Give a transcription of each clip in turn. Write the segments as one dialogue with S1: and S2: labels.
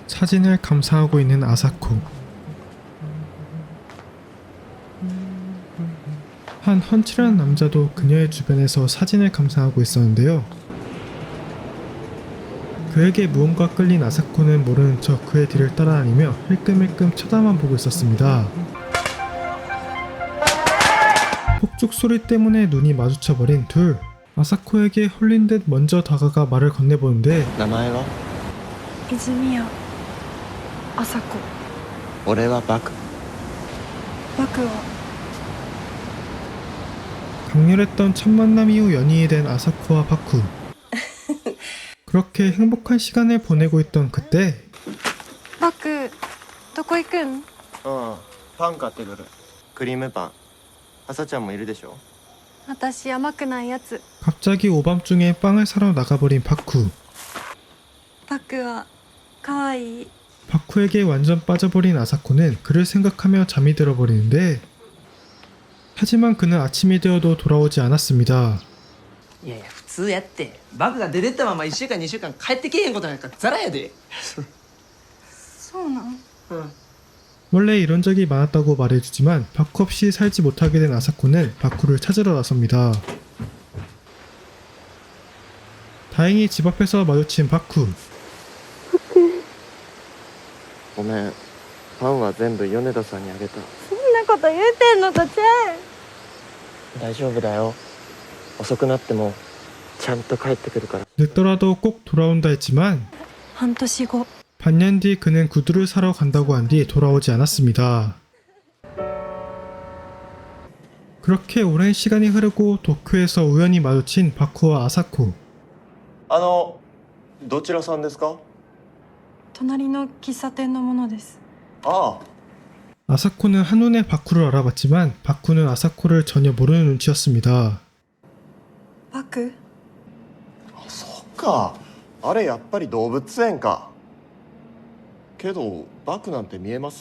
S1: 사진을 감상하고 있는 아사코. 한 훤칠한 남자도 그녀의 주변에서 사진을 감상하고 있었는데요. 그에게 무언가 끌린 아사코는 모르는 척 그의 뒤를 따라다니며 힐끔힐끔 쳐다만 보고 있었습니다. 폭죽 소리 때문에 눈이 마주쳐버린 둘. 아사코에게 홀린 듯 먼저 다가가 말을 건네보는데
S2: 名前は
S3: 泉谷麻子。
S2: 俺はバク。
S3: バクは
S1: 강렬했던 첫 만남 이후 연인이 된 아사코와 바쿠. 그렇게 행복한 시간을 보내고 있던 그때
S3: バクどこ行くん？
S2: うんパン買ってくる。クリームパン。朝ちゃんもいるでしょ。
S3: 私甘くないやつ。
S1: 갑자기 오밤중에 빵을 사러 나가버린 바쿠.
S3: バクはかわいい。
S1: 바쿠에게 완전 빠져버린 아사코는 그를 생각하며 잠이 들어버리는데 하지만 그는 아침이 되어도 돌아오지 않았습니다.
S4: いやいや普通やってバクが出てったまま1週間2週間帰ってけえへんことなんかザラやで。
S3: そうなん？
S4: うん。
S1: 원래 이런 적이 많았다고 말해주지만 바쿠 없이 살지 못하게 된 아사코는 바쿠를 찾으러 나섭니다. 다행히 집 앞에서 마주친 바쿠.
S2: ごめん。パンは全部米田さんにあげた。
S3: そんなこと言うてんのとちゃう。
S2: 大丈夫だよ。遅くなってもちゃんと帰ってくるから。
S1: 늦더라도 꼭 돌아온다 했지만
S3: 半年後。
S1: 반년 뒤 그는 구두를 사러 간다고 한 뒤 돌아오지 않았습니다. 그렇게 오랜 시간이 흐르고 도쿄에서 우연히 마주친 바쿠와 아사코.
S2: どちらさんですか？
S3: 隣の喫茶店のものです。
S2: ああ。
S1: 아사코는 한눈에 바쿠를 알아봤지만 바쿠는 아사코를 전혀 모르는 눈치였습니다.
S3: バク？
S2: あ、そっか。あれやっぱり動物園か。けどバクなんて見えます？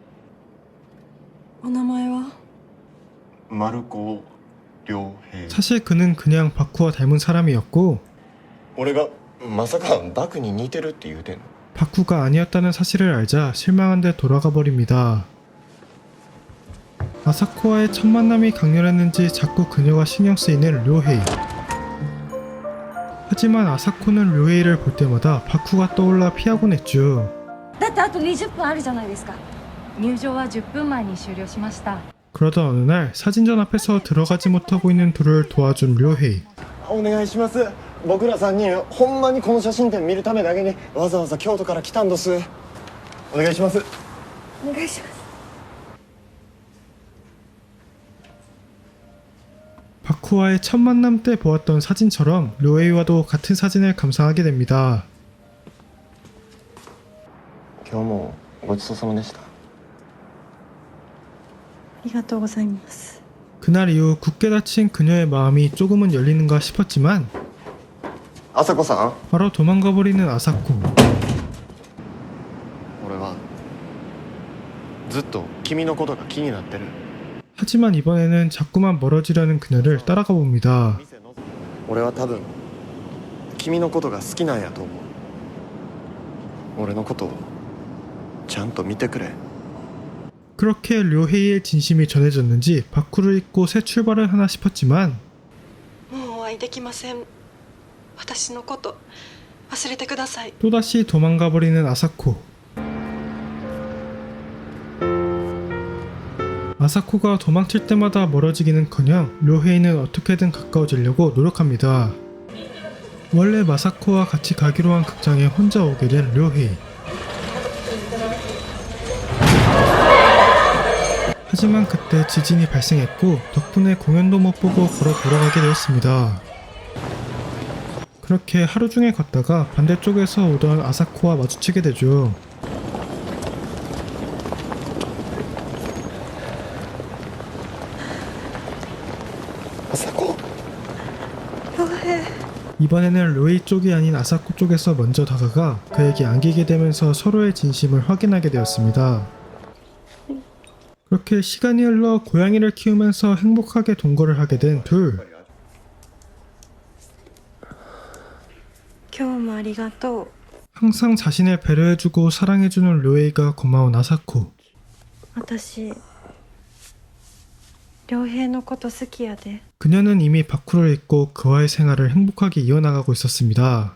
S3: お名前は？
S2: 丸子良平。
S1: 사실 그는 그냥 바쿠와 닮은 사람이었고
S2: 俺がまさかバクに似てるって言うてんの？
S1: 바쿠가 아니었다는 사실을 알자 실망한 데 돌아가 버립니다. 아사코와의 첫 만남이 강렬했는지 자꾸 그녀가 신경 쓰이는 료헤이. 하지만 아사코는 료헤이를 볼 때마다 바쿠가 떠올라 피하곤 했죠.
S5: だってあと20分あるじゃないですか。入場は10分前に終了しました。
S1: 그러던 어느 날 사진전 앞에서 들어가지 못하고 있는 둘을 도와준 료헤이.
S2: お願いします。僕ら3人ほんまにこの写真展見るためだけにわざわざ京都から来たんどす。お願いします。
S3: お願いします。
S1: 바쿠와의 첫 만남 때 보았던 사진처럼 료헤이와도 같은 사진을 감상하게 됩니다.
S2: 今日もごちそうさまでした。
S3: ありがとうございます。
S1: 그날 이후 굳게 닫힌 그녀의 마음이 조금은 열리는가 싶었지만
S2: 朝子さん、
S1: 바로 도망가버리는 아사코.
S2: 俺はずっと君のことが気になってる。
S1: 하지만 이번에는 자꾸만 멀어지려는 그녀를 따라가 봅니다.
S2: 俺は多分君のことが好きなんやと思う。俺のことをちゃんと見てくれ。
S1: 그렇게 료헤이의 진심이 전해졌는지 바쿠를 잊고 새 출발을 하나 싶었지만
S3: もうお会いできません。私のこと忘れてください。
S1: 또다시 도망가버리는 아사코. 아사코가 도망칠 때마다 멀어지기는커녕 료헤이는 어떻게든 가까워지려고 노력합니다. 원래 마사코와 같이 가기로 한 극장에 혼자 오게 된 료헤이. 하지만 그때 지진이 발생했고 덕분에 공연도 못 보고 걸어 돌아가게 되었습니다. 그렇게 하루 종일 걷다가 반대쪽에서 오던 아사코와 마주치게 되죠.
S2: 아사코?
S1: 이번에는 료헤이 쪽이 아닌 아사코 쪽에서 먼저 다가가 그에게 안기게 되면서 서로의 진심을 확인하게 되었습니다. 그렇게 시간이 흘러 고양이를 키우면서 행복하게 동거를 하게 된 둘.
S3: 今日もありがとう。
S1: 항상 자신을 배려해주고 사랑해주는 료헤이가 고마운 아사코.
S3: 私良平のこと好きやで
S1: 그녀는 이미 바쿠를 잊고 그와의 생활을 행복하게 이어나가고 있었습니다.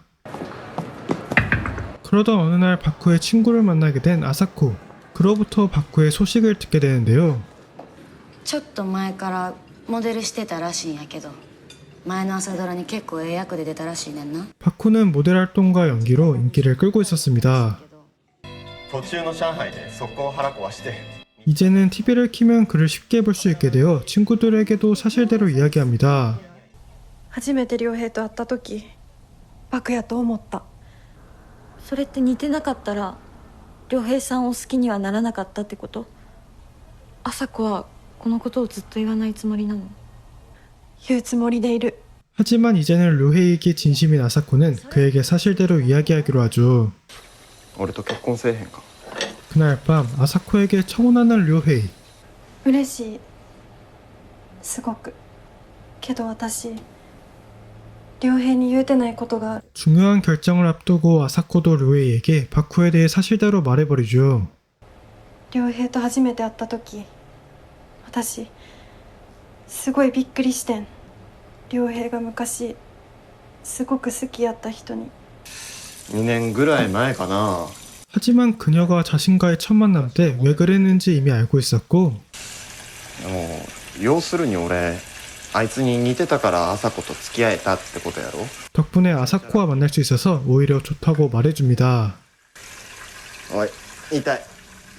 S1: 그러던 어느 날 바쿠의 친구를 만나게 된 아사코. 그로부터 바쿠의 소식을 듣게 되는데요.
S6: ちょっと前からモデルしてたらしいんやけど前の朝ドラに結構ええ役で出たらしいねんな
S1: 바쿠는 모델 활동과 연기로 인기를 끌고 있었습니다.
S2: 途中の上海で速攻腹壊して
S1: 이제는 TV를 키면 그를 쉽게 볼 수 있게 되어 친구들에게도 사실대로 이야기합니다.
S3: 初めて良平と会った時バクやと思った。
S5: それって似てなかったら良平さんを好きにはならなかったってこと？朝子はこのことをずっと言わないつもりなの？
S3: 言うつもりでいる。
S1: 하지만 이제는 료헤이에게 진심인 아사코는 그에게 사실대로 이야기하기로 하죠.
S2: 俺と結婚せえへんか。
S1: 그날 밤 아사코에게 청혼하는 료헤이.
S3: 嬉しいすごくけど私良平に言うてないことがある。
S1: 중요한 결정을 앞두고 아사코도 료헤이에게 바쿠에 대해 사실대로 말해버리죠.
S3: 良平と初めて会った時私すごいびっくりしてん。良平が昔すごく好きやった人に。
S2: 2年ぐらい前かな。
S1: 하지만 그녀가 자신과의 첫 만남 때 왜 그랬는지 이미 알고 있었고
S2: でも要するに俺あいつに似てたから朝子と付き合えたってことやろ。
S1: 덕분에 아사코와 만날 수 있어서 오히려 좋다고 말해줍니다.
S2: おい痛い。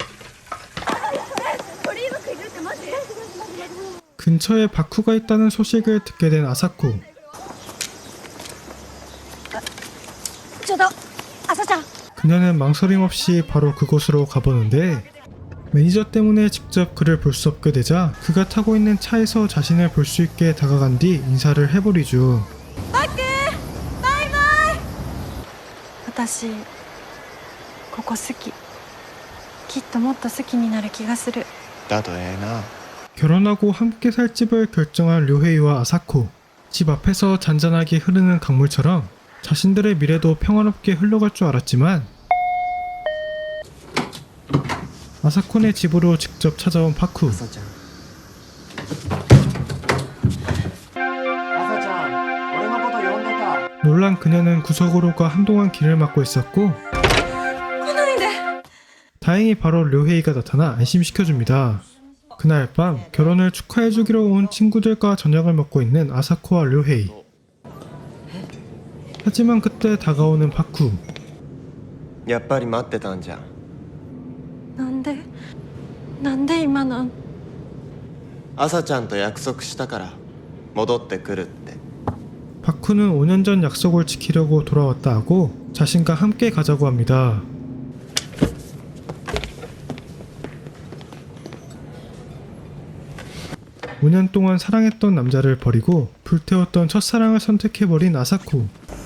S1: 근처에 바쿠가 있다는 소식을 듣게 된 아사코.
S5: ちょっと朝ちゃん
S1: 그녀는 망설임 없이 바로 그곳으로 가보는데 매니저 때문에 직접 그를 볼 수 없게 되자 그가 타고 있는 차에서 자신을 볼 수 있게 다가간 뒤 인사를 해버리죠.
S3: 私ここ好き。きっともっと好きになる気がする。
S2: だとええな。
S1: 결혼하고 함께 살 집을 결정한 료헤이와 아사코. 집 앞에서 잔잔하게 흐르는 강물처럼 자신들의 미래도 평화롭게 흘러갈 줄 알았지만 아사코네 집으로 직접 찾아온 바쿠.
S2: 朝ちゃん朝ちゃん俺のこと呼んでた。
S1: 놀란 그녀는 구석으로가 한동안 길을 막고 있었고 다행히 바로 료헤이가 나타나 안심시켜줍니다. 그날 밤 결혼을 축하해주기로 온 친구들과 저녁을 먹고 있는 아사코와 료헤이. 하지만 그때 다가오는 바쿠.
S2: やっぱり待ってたんじゃん。
S3: なんで今なん。
S2: 朝ちゃんと約束したから戻ってくるって。
S1: 바쿠는 5년 전 약속을 지키려고 돌아왔다 하고 자신과 함께 가자고 합니다. (5년) 동안 사랑했던 남자를 버리고 불태웠던 첫사랑을 선택해버린 아사코.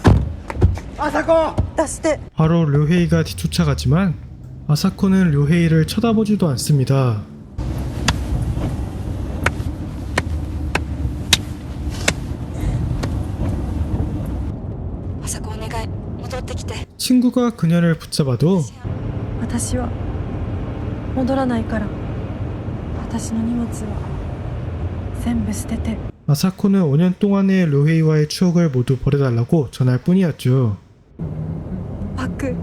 S3: 出して。
S1: 바로 료헤이가 뒤쫓아가지만 아사코는 료헤이를 쳐다보지도 않습니다.
S5: 朝子お願い戻ってきて
S1: 친구가 그녀를 붙잡아도
S3: 私は戻らないから。私の荷物は全部捨てて。
S1: 아사코는 5년 동안의 료헤이와의 추억을 모두 버려달라고 전할 뿐이었죠.
S3: バク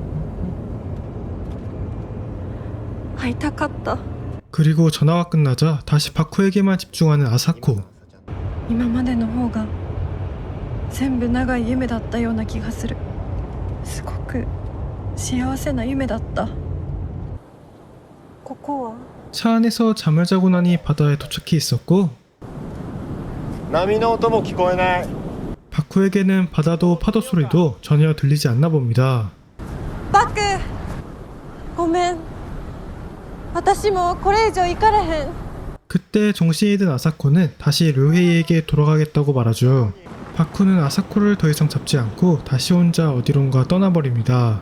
S3: 会いたかった。
S1: 그리고 전화가 끝나자 다시 바쿠에게만 집중하는 아사코.
S3: 今までの方が全部長い夢だったような気がする。すごく幸せな夢だった。ここは
S1: 차 안에서 잠을 자고 나니 바다에 도착해 있었고
S2: 波の音も聞こえない。
S1: 바쿠에게는 바다도 파도 소리도 전혀 들리지 않나 봅니다.
S3: バクごめん。私もこれ以上行かれへん。
S1: 그때 정신이 든 아사코는 다시 료헤이에게 돌아가겠다고 말하죠. 바쿠는 아사코를 더 이상 잡지 않고 다시 혼자 어디론가 떠나버립니다.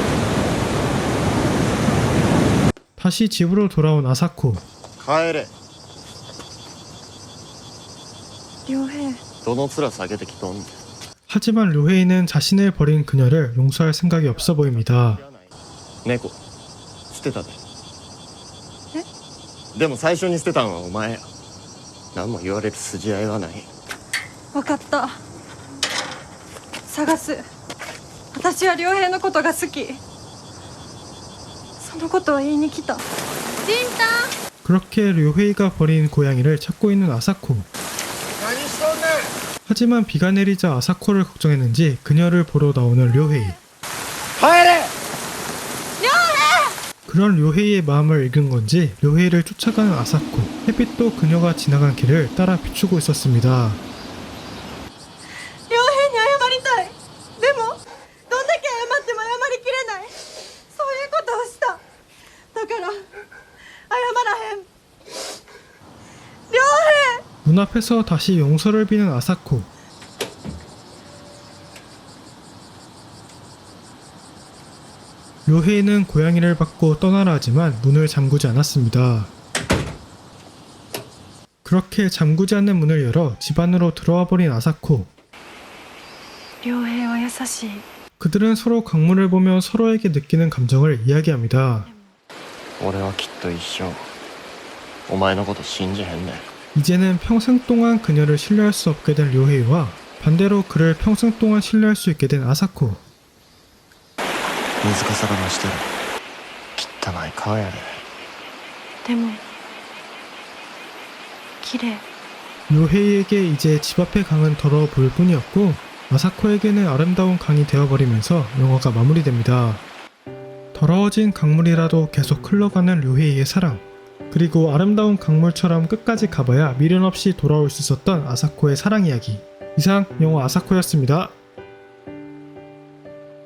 S1: 다시 집으로 돌아온 아사코.
S2: 帰れ。
S3: 良平
S2: どの面下げてきとんねん。
S1: 하지만 료헤이는 자신을 버린 그녀를 용서할 생각이 없어 보입니다.
S2: 猫捨てたででも最初に捨てたんはお前や何も言われる筋合いはない
S3: 分かった。探す。私は良平のことが好き。そのことを言いに来た。
S1: 그렇게 료헤이가 버린 고양이를 찾고 있는 아사코. 하지만 비가 내리자 아사코를 걱정했는지 그녀를 보러 나오는 료헤이. 그런 료헤이의 마음을 읽은 건지 료헤이를 쫓아가는 아사코. 햇빛도 그녀가 지나간 길을 따라 비추고 있었습니다.
S3: 良平に謝りたい。でもどんだけ謝っても謝りきれない。そういうことをした。だから謝らへん。良平。
S1: 눈앞에서 다시 용서를 비는 아사코. 료헤이는 고양이를 받고 떠나라 하지만 문을 잠그지 않았습니다. 그렇게 잠그지 않는 문을 열어 집 안으로 들어와 버린 아사코.
S3: 良平は優しい。
S1: 그들은 서로 강물을 보며 서로에게 느끼는 감정을 이야기합니다.
S2: 俺はきっと一生お前のこと信じへんねん
S1: 이제는 평생 동안 그녀를 신뢰할 수 없게 된 료헤이와 반대로 그를 평생 동안 신뢰할 수 있게 된 아사코.
S2: 水かさが増してる汚い顔やで
S3: でも綺麗。
S1: 료헤이에게 이제 집 앞의 강은 더러워 보일 뿐이었고 아사코에게는 아름다운 강이 되어버리면서 영화가 마무리됩니다. 더러워진 강물이라도 계속 흘러가는 료헤이의 사랑, 그리고 아름다운 강물처럼 끝까지 가봐야 미련 없이 돌아올 수 있었던 아사코의 사랑 이야기. 이상 영화 아사코였습니다.